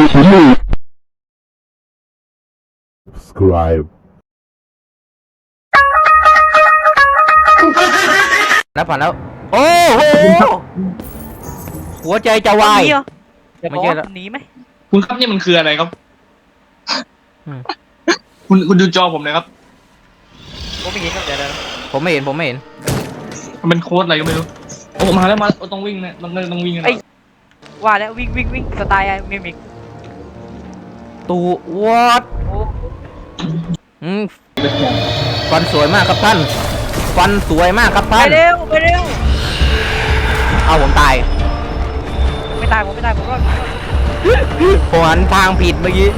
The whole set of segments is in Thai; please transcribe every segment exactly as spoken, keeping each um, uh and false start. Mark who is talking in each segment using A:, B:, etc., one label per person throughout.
A: subscribe
B: แล้วผ่านแล้วโอ้โหหัวใจจะวาย
C: หนีเหรอจะบ
B: ไม่
C: อก
B: ใช่
C: ว่า
B: แล้ว
C: หนีไหม
D: คุณครับนี่มันคืออะไรครับ
B: อืม
D: คุณคุณดูจอผมหนะครับ
C: ผมไม่เห็นครับเดี๋ยวเดี๋ยว
B: ผมไม่เห็นผมไม่เห็น
D: มันเป็นโค้ดอะไรก็ไม่รู้โอ้มาแล้วมาแล้วต้องวิ่งนะต้องต้องวิ่งกันนะ
C: ว่าแล้ววิ่งวิ่งวิ่งสไตล์อะมิมิก
B: ตูวอด
C: โอ้
B: อืมฟันสวยมากครับท่านฟันสวยมากครับ
C: ไป
B: ท่าน
C: เร็วไปเร็ว
B: เอาผมตาย
C: ไม่ตายผมไม่ตายผมรอด
B: ผมหันทางผิดเมื่อกี้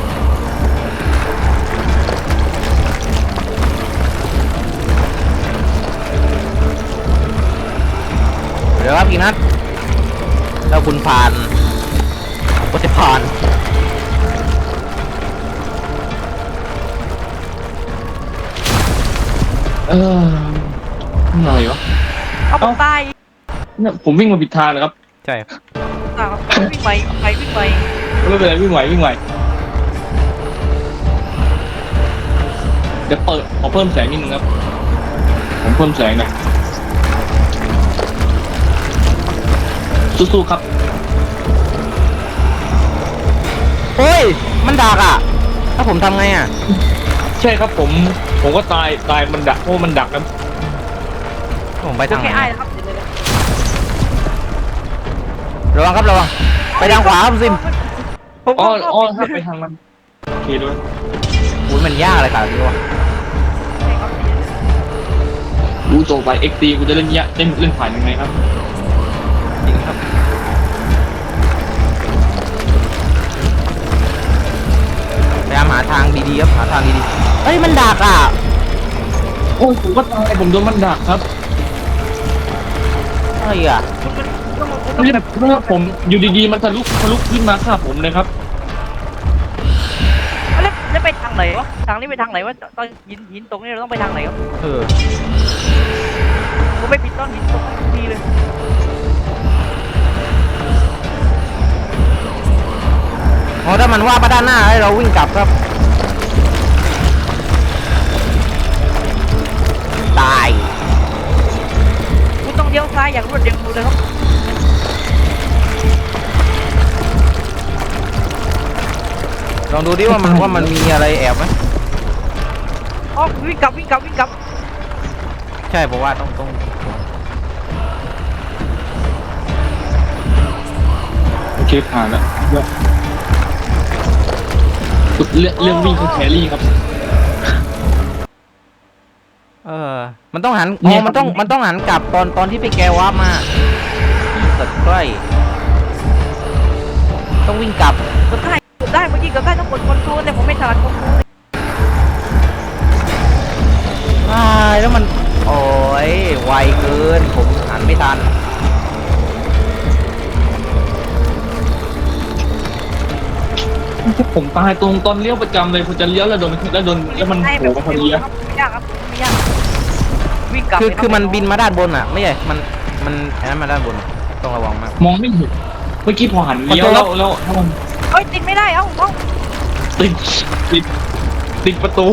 B: เดี๋ยวครับพี่นัทแล้วคุณผ่านก็จะผ่าน
D: เอออะไรวะ
C: เอาผมตาย
D: เนี่ยผมวิ่งมาผิดทางนะครับ
B: ใช่
C: ตายครับวิ่งไปไปวิ่งไป
D: ไม่เป็นไรวิ่งไหววิ่งไหวเดี๋ยวเปิดขอเพิ่มแสงนิดนึงครับผมเพิ่มแสงหน่อยสู้ๆครับ
B: โอ้ยมันดักอ่ะถ้าผมทำไงอ่ะ
D: ใช่ครับผมผมก็ตายตายมันดักเพราะมันดักนะ
B: ผมไป
C: โอ
B: ทางไห
C: เคน ไอ้นะครับเดี๋ยวเดี๋ยวเดี๋ยว
B: ระวังครับระวังไปทางขวาครับซิม
C: ผม
D: อ๋อ
C: ก็
D: อ๋อถ้าไปทางมันโอเคด้วย
B: อุ้ยมันยากเลยค่ะพี่วะ
D: รู้โจไปเอ็กตีกูจะเล่นเนี้ยเล่นเล่นผ่านยังไงครับ
B: จริงครับพยายามหาทางดีๆครับหาทางดีๆเฮ้ยมันดักอ่ะ
D: โอ้ยผมก็ตายผมโดนมันดักครับ
B: อะไรอ่ะ
D: ไม่ใช่เมื่อผมอยู่ดีๆมันทะลุทะลุขึ้นมาฆ่าผมเลยครับ
C: แล้วแล้วไปทางไหนวะทางนี้ไปทางไหนวะตอนหินหินตรงนี้เราต้องไปทางไหนวะ
B: เออ
C: ผมไม่ผิดต้นหินตรงนี้ดีเลย
B: อ๋อถ้ามันว่ามาด้านหน้าให้เราวิ่งกลับครับตาย
C: คุณต้องเลี้ยวซ้ายอย่างรวดเร็วเลยครับ
B: ลองดูดิว่ามันว่ามันมีอะไรแอบไหม
C: อ๋อวิ่งกลับวิ่งกลับวิ่งกลับ
B: ใช่ผมว่าต้องต้อง
D: โอเคผ่านแล้วเรื่องเรื่องวิ่งคือแครี่ครับ
B: เออมันต้องหัน
D: เนี่
B: อ๋อย มันต้องมันต้องหันกลับตอนตอนที่ไปแกว่ามาสัตว์ใกล้ต้องวิ่งกลับ
C: กดได้กดได้เมื่อกี้กดได้ต้องกดคอนโทรลแต่ผมไม่ถนัดคอนโทรล
B: อ่าแล้วมันโอ้ยไวเกินผมหันไม่ทัน
D: ผมตายตรงตอนเลี้ยวประจำเลยผมจะเลี้ยวแล้วโดนแล้วโดนแล้วมันโผล่มาพอดีอะ
C: ไม่ยากครับไม่ยากวิ่งกลับ
B: คือ
C: เลยรับ
B: คือมันบินมาด้านบนอ่ะไม่ใช่มันมันอันนั้นมาด้านบนอะต้องระวังมาก
D: มองไม่เห็นเมื่อกี้พอหันเลี้ยวแล้วแล้วแล้วมัน
C: เฮ้ยติดไม่ได้เอ้าเอ้า
D: ติดติดติดประตู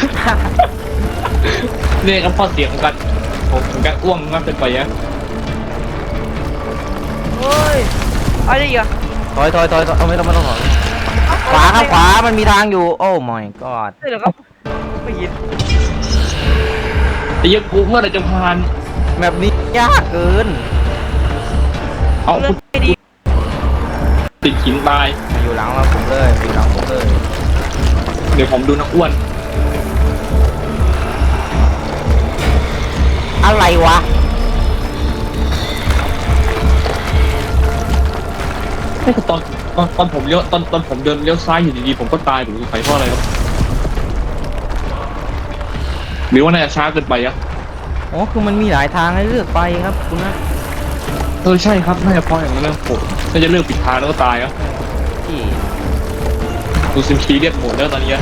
D: เนี่ยครับพอเสียงกันผมผมกันอ้วงมากเกินไปอะ
C: เฮ้ยอะไรอีกอะ
B: ถอยถอยถอยถอยเอาไม่ต้องไม่ต้องถอยขวาครับขวามันมีทางอยู่โอ้ my god
C: ใช่เหรอครับไม่เห็น
D: ไอ้เหี้ยังกูเมื่อไหรจะผ่าน
B: แบบนี้ยากเกิน
D: เอา
C: เรื่องไม่ดี
D: ติดหินตาย
B: มาอยู่หลังเราผมเลยมาอยู่หลังผมเลย
D: เดี๋ยวผมดูนักอ้วน
B: อะไรวะ
D: ไม่คือตอนตอนตอนผมเลี้ยวตอนตอนผมเดินเลี้ยวซ้ายอยู่ดีๆผมก็ตายหรือใครเพราะอะไรครับหรือว่าน่าจะช้าเกินไปอะ
B: อ๋อคือมันมีหลายทางให้เลือกไปครับคุณนะ
D: เออใช่ครับน่าจะเพราะอย่างนั้นนะผมน่าจะเลือกผิดทางแล้วก็ตายอะ
B: ที่
D: ดูซิมซีเรียสโหมดแล้วตอนนี้อะ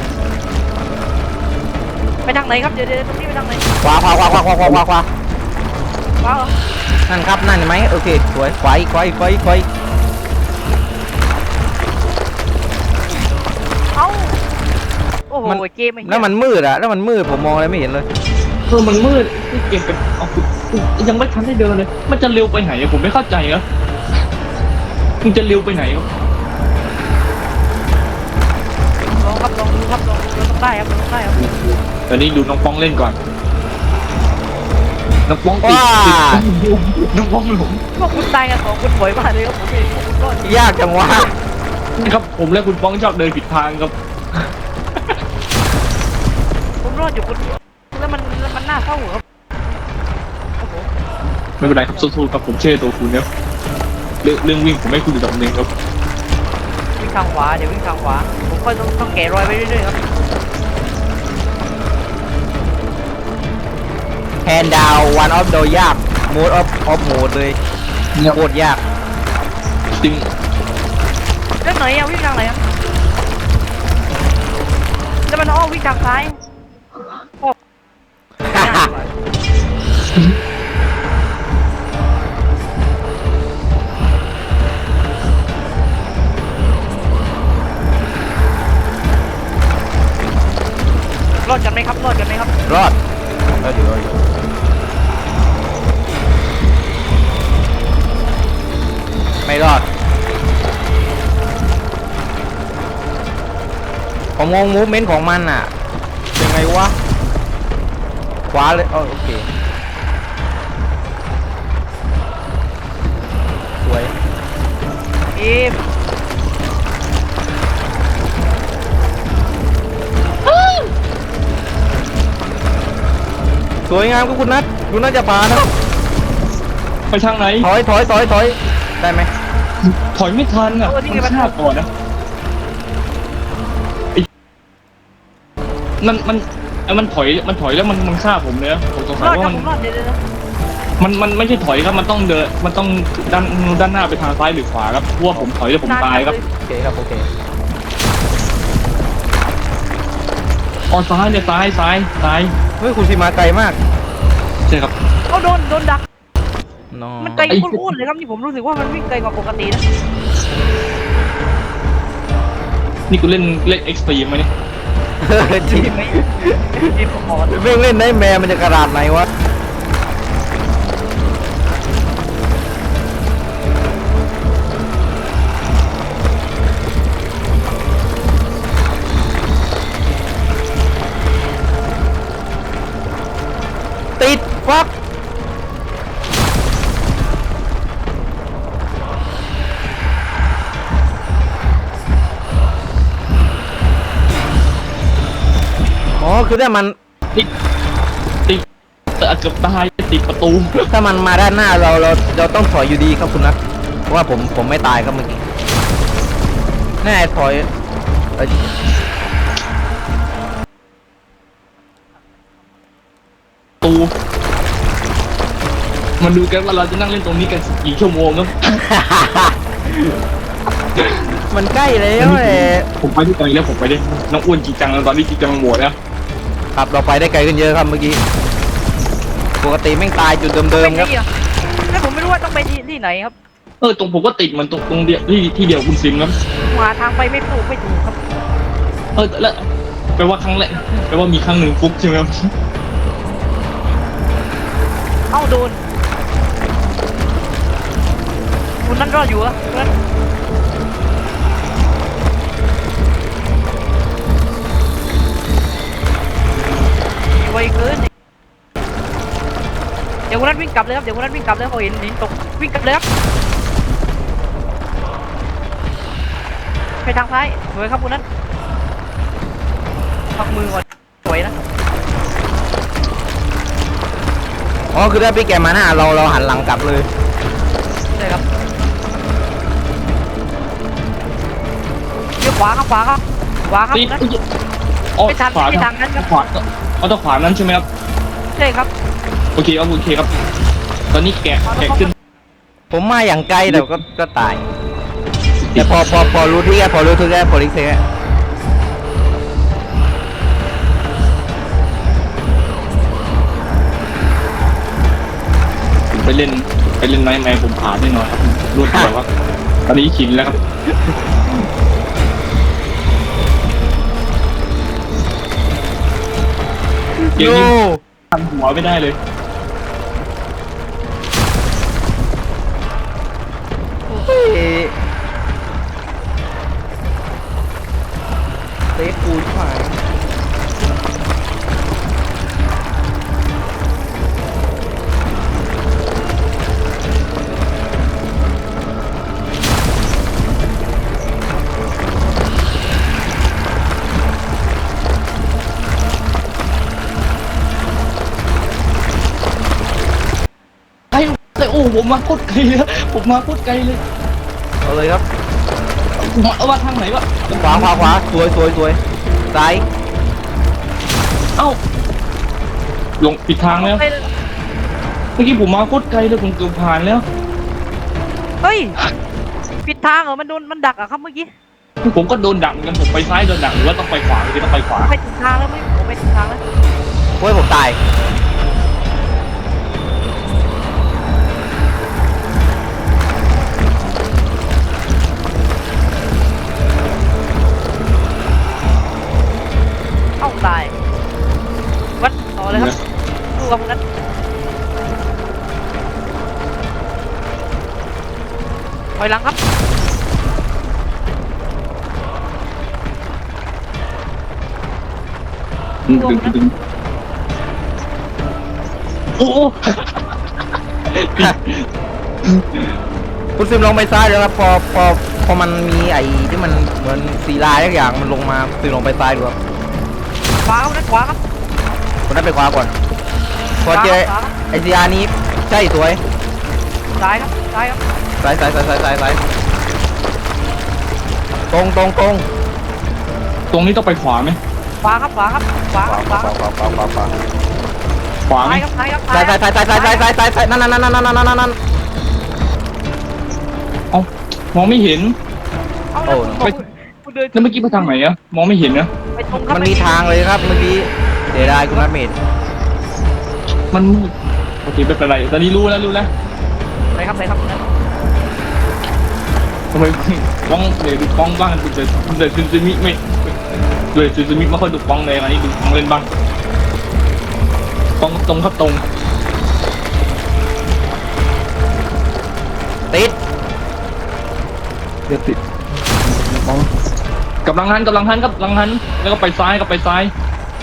C: ไปทางไหนครับเดี๋ยวเดี๋ยวตรงนี้ไปทางไหน
B: ขวาขวาขวาขวาขวาขวาขวาขวา
C: ว้าว
B: นั่นครับนั่นเห็นไหมโอเคสวยขวาอีกขวาอีกขวาอีกขวาอีก
C: โห
B: มัน
C: เกมไอ้เหี้ย
B: แล้วมันมืดอะแล้วมันมืดผมมองอะไรไม่เห็นเลย
D: เออมันมืดนี่เกมกันเอาคุณคุณยังไม่ทันได้เดินเลย มันจะเร็วไปไหนอะผมไม่เข้าใจครับมันจะเร็วไปไหนครับ
C: ลองครับลองดูครับลองดูเราต้องได้ครับเราต้องได้ครับ
D: ตอนนี้ดูน้องป้องเล่นก่อน น้องป้องติด
B: ว้า
D: ติดน้องป้องหลง
C: พวกคุณตายกันสองคนบ่อยมากเลยครับผมเองพวกคุณรอดจริง
B: ยากจังวะ
D: ครับผมและคุณป้องชอบเดินผิดทางครับ
C: ผมรอดอยู่คนเดียวแล้วมันแล้วมันน่าเศร้าครับโอ้โห
D: ไม่เป็นไรครับสู้ๆครับผมเชื่อตัวคุณครับเรื่องเรื่องวิ่งผมให้คุณดูดับหนึ่งครับ
C: วิ่งทางขวาเดี๋ยววิ่งทางขวาผมก็ต้องต้องแกะรอยไปเรื่อยๆครับ
B: แฮนดาววันออฟโดยากโหมดออฟออฟโหมดเลยโคตรยาก
D: จริง
C: เรื่องไหนอะวิ่งทางไหนอะแล้วมันอ้อวิ่งทางซ้ายโอ้ไม่ได้ดีกว่า รอดกันไหมครับรอดกันไหมครับ
B: รอดรอดอยู่รอดอยู่ไม่รอดผมมองมูฟเมนต์ของมันอ่ะเป็นไงวะขวาเลยอ๋อโอเคสวย
C: เอ๊ะ
B: สวยงามก็คุณนัทคุณนัทจะผ่านนะครับ
D: ไปทางไหน
B: ถอยถอยถอยถอยได้ไหม
D: ถอยไม่ทันอ่ะมันฆ่าก่อนนะไอ้มันมันไอ้มันถอยมันถอยแล้วมันมันฆ่าผมเลยนะผมสงสั
C: ร
D: ย
C: อด
D: ว่า
C: ครับ
D: มัน
C: ผมรอดเดี๋ยวเดี๋ยวเดี๋ยว
D: มันมันไม่ใช่ถอยครับมันต้องเดินมันต้องด้านด้านหน้าไปทางซ้ายหรือขวาครับเพราะว่าผมถอยแล้วผมตายครับ
B: โอเคครับโอเค
D: อ๋อซ้ายเนี่ยซ้ายซ้ายซ้าย
B: เฮ้ยคุณพี่มาไกลมาก
D: ใช่ครับ
C: เอาโดนโดนดัก
B: น้อง
C: มันไกลพูดๆเลยครับนี่ผมรู้สึกว่ามันวิ่งไกลกว่าปกตินะ
D: นี่กูเล่นเล่นเอ็กซ์ตรีมไหมเนี่ย
B: เออจริง
C: ไม่ไม่ผมขอ
B: เม่งเล่นได้แมวมันจะกระดาษไหนวะติดฟักอ๋อคือถ้ามัน
D: ติดติดเกือบตายติดประตู
B: ถ้ามันมาด้านหน้าเราเราเราต้องถอยอยู่ดีครับคุณนัทเพราะว่าผมผมไม่ตายครับเมื่อกี้แน่ถอยเอ้ย
D: ประตูมาดูกันว่าเราจะนั่งเล่นตรงนี้กันกี่ชั่วโมงครับ
B: มันใกล้แล้วแหละ
D: ผมไปที่ไกลแล้วผมไปได้น้องอ้วนจริงจังแล้วตอนนี้จริงจังหมดแล้ว
B: ครับเราไปได้ไกลขึ้นเยอะครับเมื่อกี้ปกติแม่งตายจุดเดิ
C: ไป
B: มๆครับ
C: ที่อ่ะแล้วผมไม่รู้ว่าต้องไปที่ที่ไหนครับ
D: เออตรงผมก็ติดเหมันตรงตรงเดียวที่ที่เดียวคุณซิมครับ
C: หาทางไปไม่ถูกไม่ถูกครับ
D: เออแล้วแปลว่าครั้งแรกแปลว่ามีครั้งหนึ่งฟุกใช่ไหมครับ
C: เอ้าโดนคุณนั่นรอดอยู่เหรอคุณนั่นไวเกินเดี๋ยวคุณนั่นวิ่งกลับเลยครับเดี๋ยวคุณนั่นวิ่งกลับเลยเขาเห็นหินตกวิ่งกลับเลยครับไปทางซ้ายสวยครับคุณนั่นพักมือก่อนสวยนะ
B: อ๋อคือถ้าพี่แกมาหน้าเราเราหันหลังกลับเลย
C: ใช่ครับเลี้ยวขวาครับขวาครับขวาครับ
D: ติด
C: คุณนั่น
D: อ๋อ
C: ไม่ทัน
D: ขวา
C: ไม่ทันนั้นครับ
D: ขวาเอาต้องขวานั้นใช่ไหมครับ
C: ใช่ครับ
D: โอเคครับโอเคครับ ตอนนี้แกะแกะขึ้น
B: ผมมาอย่างไกลแต่ก็ก็ตายแต่พอพอพอรู้ที่แกพอรู้ที่แกพอริเซ่
D: ผมไปเล่นไปเล่นไนท์แมร์ผมผ่านแน่นอนครับรวดแบบว่าตอนนี้ชินแล้วครับเกม
B: โย่
D: นี้ทำหัวไม่ได้เลย
B: เฮ้ยเซฟกูชิบหาย
D: ไอ้แต่โอ้ผมมาโคตรไกลเลยผมมาโคตรไกลเลย
B: เอาเลยครับ
D: ผมเอามาทางไหนวะ
B: ขวาขวาขวาสวยสวยสวยซ้าย
D: เอ้าลงผิดทางแล้ว
C: ไป
D: เมื่อกี้ผมมาโคตรไกลเลยผมเกือบผ่านแล้ว
C: เฮ้ยผิดทางเหรอมันโดนมันดักอะครับเมื่อกี้
D: ผมก็โดนดักเหมือนกันผมไปซ้ายโดนดักหรือว่าต้องไปขวาหรือต้องไปขวา
C: ไปถึงทางแล้วไหมผมไปถึงทางแล้ว
B: โอ้ยผมตาย
C: เอ้าตายวัดต่อเลยครับดูกับพวกนั้นถอยหลังครับ
D: ดึงดึงดึงโอ้โห
B: คุณซิมลงไปซ้ายเลยครับพอพอพอมันมีไอ้ที่มันเหมือนสีลายทุกอย่างมันลงมาซิมลงไปซ้ายดูครับ
C: ขวาครับขวาครับ
B: คนนั้นไปขวาก่อนพอเจอ
C: ขวาครับ
B: ไอซีอาร์นี้ใช่สวย
C: ซ้ายครับซ้ายครับ
B: ซ้ายซ้ายซ้ายซ้ายซ้ายซ้ายตรงตรงตรง
D: ตรงนี้ต้องไปขวาไหม
C: ขวาครับขวาครับขวา
B: ขวา
C: ขวา
B: ขวาขวาขวาขวาขวา
D: ขวาไหม
C: ซ้ายครับซ้ายครับ
B: ซ้ายซ้ายซ้ายซ้ายซ้ายซ้ายซ้ายซ้ายซ้ายนั่นนั่นนั่นนั่นนั่นนั่นนั่น
D: เอ้ามองไม่เห็น
C: เอาแล้วคุณบอกคุณเดิน
D: แล้วเมื่อกี้ไปทางไหนอะมองไม่เห็นนะ
C: ไปตรงครับ
B: มันมีทางเลยครับเมื่อกี้เดี๋ยวได้คุณนัทเมด
D: มันมืดโอเคไม่เป็นไรตอนนี้รู้แล้วรู้แล้ว
C: ไปครับไปครับคุณนั้น
D: ทำไมกล้องเดี๋ยวดูกล้องบ้างดูเดี๋ยวเดี๋ยวซึซึมิไม่เดี๋ยวซึซึมิไม่ค่อยดูกล้องเลยอันนี้ดูกล้องเล่นบ้างกล้องตรงครับตรง
B: ติด
D: เดี๋ยวติดกล้องกำลังหันกำลังหันครับกำลังหันแล้วก็ไปซ้ายก็ไปซ้าย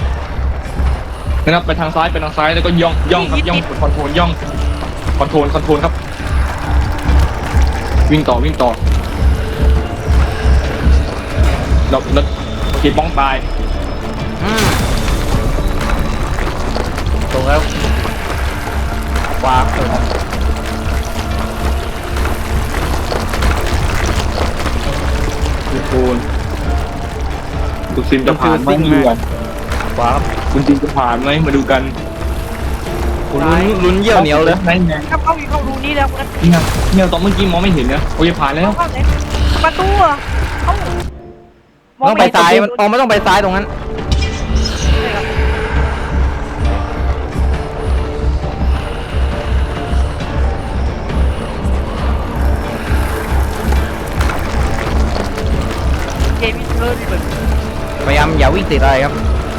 D: นะครับไปทางซ้ายไปทางซ้ายแล้วก็ย่องย่องครับย่องคอนโทรลย่องคอนโทรลคอนโทรลครับ วิ่งต่อวิ่งต่อเราเราโอเคป้องตาย
B: อืมตรงแล้วขวาเออ
D: ทุกคนคุณซิมจะผ่านไหมมาดูกัน
B: ขวาครับ
D: คุณซิมจะผ่านไหมมาดูกัน
B: คุณลุ้นลุ้นเยี่ยวเหนียวเลย
D: ไหนไหน
C: ครับเข้าอยู่เข้ารูนี้แล้วคุณนั้น
D: เนี่ยเนี่ยตอนเมื่อกี้มองไม่เห็นนะโอ้ยผ่านแล้ว
C: เข้าไหนประตูเหรอเอ้า
B: ต้องไปซ้ายมันอ๋อไม่ต้องไปซ้ายตรงนั้น
C: เกมเลิศเลย
B: พยายามอย่าวิ่งติดอะไรครับ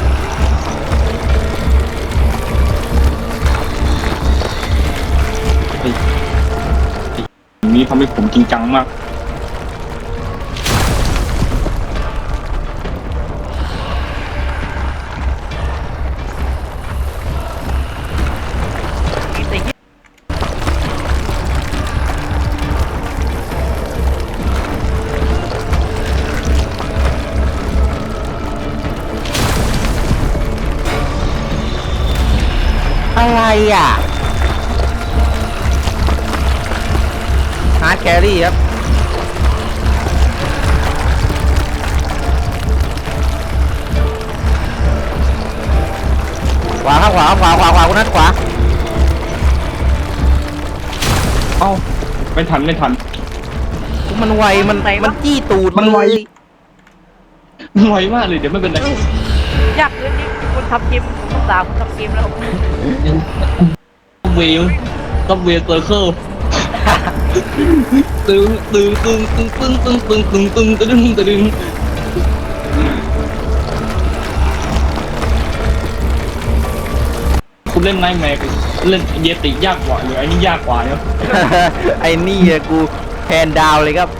D: นี้ทำให้ผมจริงจังมาก
B: อะไรอ่ะฮาร์ดแครี่ครับขวาครับขวาขวาขวาขวาคุณนัทขวา
D: เอ้าไม่ทันไม่ทัน
B: มันไวมันมันจี้ตูด
D: มันไว
B: เลย
D: มันไวมากเลยเดี๋ยวไม่เป็นไร
C: ยากเลยนี่คนทำเกมผมต้องด่าคนทำเกมแล้ว
D: เวลต้องเวลเซอร์เคิลตึงตึงตึงตึงตึงตึงตึงตึงตึงตึงตึงตึงคุณเล่นไนท์แมร์เล่นเยติยากกว่าหรือไอ้นี่ยากกว่าเนี่ย
B: ไอ้นี่อะกูแฮนด์ดาวน์เลยครับ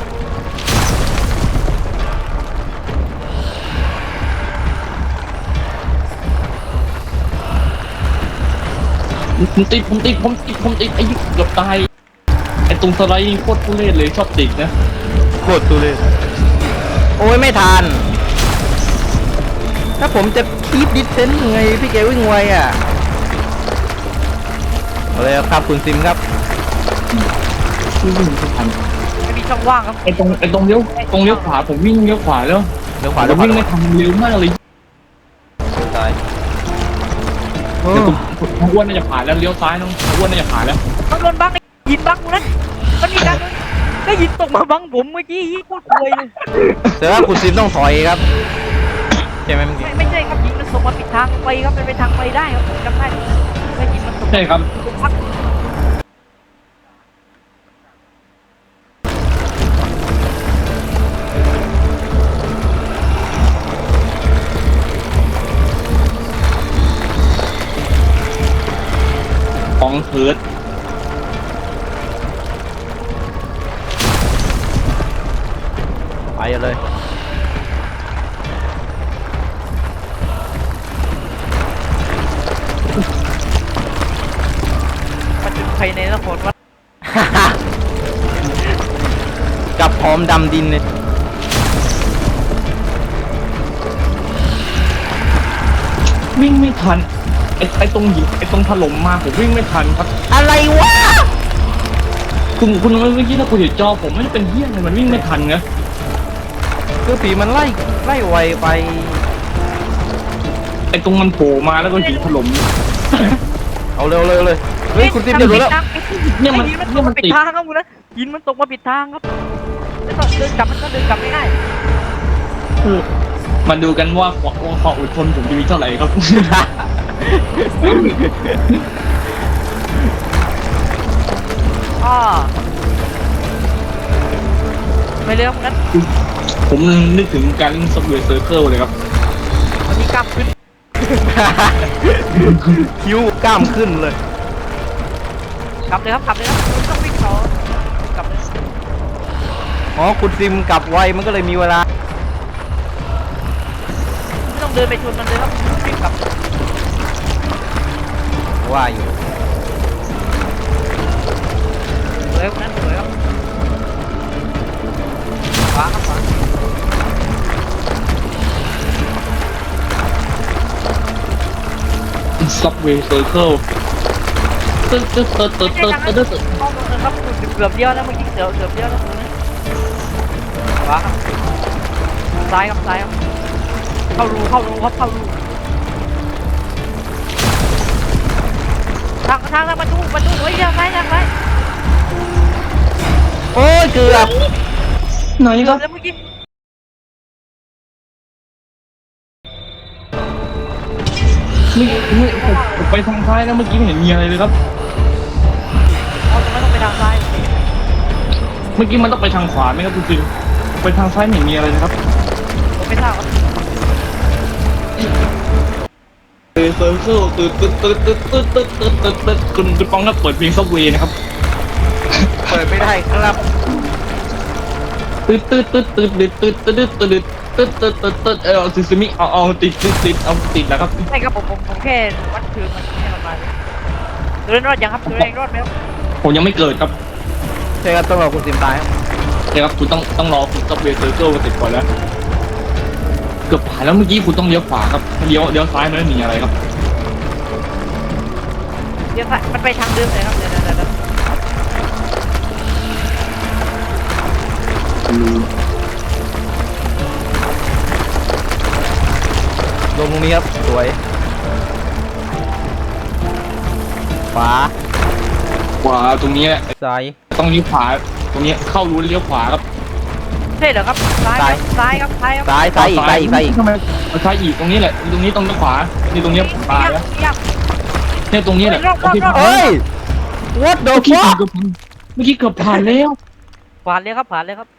D: ผมติดผมติดผมติดผมติดไอ้ยี่เกือบตายไอ้ตรงสไลด์นี่โคตรทุเรศเลยชอบติดนะ
B: โคตรตุเลยโอ้ยไม่ทัน ถ้าผมจะคีบดิสเทนไงพี่แกวิ่งไวอ่ะเอาเลยครับคุณซิมครับ
D: วิ่งไม่ทัน
C: ไม่มีช่องว่างครับ
D: ไอ้ตรงไอ้ตรงเลี้ยวตรงเลี้ยวขวาผมวิ่งเลี้ยวขวาแล้ว
B: เดี๋ยวขวา
D: ผ
B: เดี๋ยว
D: ม
B: ขวา
D: วิ่งไม่ทันเร็วมากเลย
B: ตาย
D: แต่ผมผมอ้วนน่าจะผ่านแล้วเลี้ยวซ้ายน้องอ้วนน่าจะผ่านแล้ว
C: ต้องโดนบังไอ้หินบังกูนั้นมันมีการโดนก็หินตกมาบังผมเมื่อกี้โคตรรวยเลย
B: แต่ว่าคุณซิมต้องถอยครับใช่ไหมเมื่อกี้
C: ไม่ไม่ใช่ครับหินมันส่งมาปิดทางไปครับมันเป็นทางไปได้ครับผมจำได้ไม่หินมันส่ง
D: ใช่ครับ
C: พัก
D: ของเฮิร์ต
B: ไปเลย
C: มันเป็นภายในนครวัด
B: กับพร้อมดำดินเลย
D: วิ่งไม่ทันไอ้ไอ้ตรงหินไอ้ตรงถล่มมาผมวิ่งไม่ทันครับ
B: อะไรวะ
D: คุณคุณเมื่อกี้ถ้าคุณเห็นจอผมไม่ได้เป็นเหี้ยเลยมันวิ่งไม่ทันนะ
B: คือผีมันไล่ไล่ไวไป
D: ไอ้ตรงมันโผล่มาแล้วก็หินถล่ม
B: เอาเร็วเลยเลยเฮ้ยคุณซิมเดี๋ยวรู้แล้ว
D: เนี่ยมัน
C: หินมันต
D: เนี่ย
C: ก
D: มั
C: มาน ปิด
D: ติด
C: ทางครับคุณนะหินมันตกมาปิดทางครับแล้วก็เดินกลับมันก็เดินกลับไม่ได้
D: คือมาดูกันว่าความความอดทนผมจะมีเท่าไหร่ครับ
C: อ่าไปเร็วงั้น
D: ผมนึกถึงการเล่นซับเวย์เซอร์เคิลเลยครับ
C: วันนี้กล้ามขึ้น
B: คิ้วกล้ามขึ้นเลย
C: กลับเลยครับกลับเลยครับไม่ต้องวิ่งต่อกลับเลย
B: อ๋อคุณซิมกลับไวมันก็เลยมีเวลา
C: ไม่ต้องเดินไปชนมันเลยครับวิ่งกลับเลย
B: ว่าอยู่
C: สวยครับนั้นสวยครับขวาครับขวา
D: ซับเวย์เซอร์เคิลตึ๊ดตึ๊ดตึ๊ดตึ๊ดตึ๊ดตึ๊ดตึ๊ด
C: เข้าตรงนั้นครับเกือบเดียวแล้วเมื่อกี้เกือบเกือบเดียวแล้วตรงนี้ขวาครับซ้ายครับซ้ายครับเข้ารูเข้ารูครับเข้ารูทางทางทางประตูประตูเฮ้ยทางซ้ายทางซ้าย
B: โอ้ยเกือบ
D: ไหน
C: เกื
D: ค
C: อ
D: รั
C: บบ แล้วเมื่อกี้
D: ไม่ไม่ผมผมไปทางซ้ายแล้วเมื่อกี้ไม่เห็นมีอะไรเลยครับ
C: เอาตรงนั้นต้องไปทางซ้าย
D: เมื่อกี้มันต้องไปทางขวาไหมครับคุณจิมไปทางซ้ายไม่เห็นมีอะไรเลยครับ
C: ผมไม่ทราบครับ
D: เวย์เซอร์เคิลตึ๊ดตึ๊ดตึ๊ดตึ๊ดตึ๊ดตึ๊ดตึ๊ดตึ๊ดตึ๊ดคุณคุณป้องก็เปิดเพลงซับเวย์นะครับ
B: เปิดไม่ได้ครับ
D: ตึ๊ดตึ๊ดตึ๊ดตึ๊ดตึ๊ดตึ๊ดตึ๊ดตึ๊ดตึ๊ดตึ๊ดตึ๊ดตึ๊ดเออซิซิมิเอาเอาติดติดติดเอาติดแล้วครับ
C: ใช่ครับผมผมผมแค่วัดคืนมันให้มันมาตัวเล่นรอดยังครับตัวเล่นรอดไหมครับ
D: ผมยังไม่เกิดครับ
B: ใช่ครับต้องรอคุณซิมตายครับ
D: ใช่ครับคุณต้องต้องรอคุณซับเวย์เซอร์เคิลมาติดก่อนแล้วเกือบผ่านแล้วเมื่อกี้คุณต้องเลี้ยวขวาครับเลี้ยวเลี้ยวซ้ายมันไม่มีอะไรครับ
C: เดี๋ยวมันไปทางเดิมเลยครับเดี๋ยวเดี๋ยวเดี๋ยว
B: ลงตรงนี้ครับสวยขวา
D: ขวาตรงนี้แหละ
B: ซ้าย
D: ต้องเลี้ยวขวาตรงนี้เข้ารูเลี้ยวขวาครับ
C: ใช่เหรอครับซ้ายครับซ้ายครับซ้ายครับ
B: ซ้ายซ้ายอีกซ้ายอีกซ้ายอีก
D: ทำไมเอาซ้ายอีกตรงนี้แหละตรงนี้ต้องเลี้ยวขวานี่ตรงนี้ผมตายแล้ว
C: เยี่ยม
D: เนี่ยตรงนี้แหละ
C: รอบรอบรอบ
B: เฮ้ย what the
D: เมื่อกี้
B: fuck
D: เกือบเมื่อกี้เกือบผ่านแล้ว
C: ผ่านเลยครับผ่านเลยครับ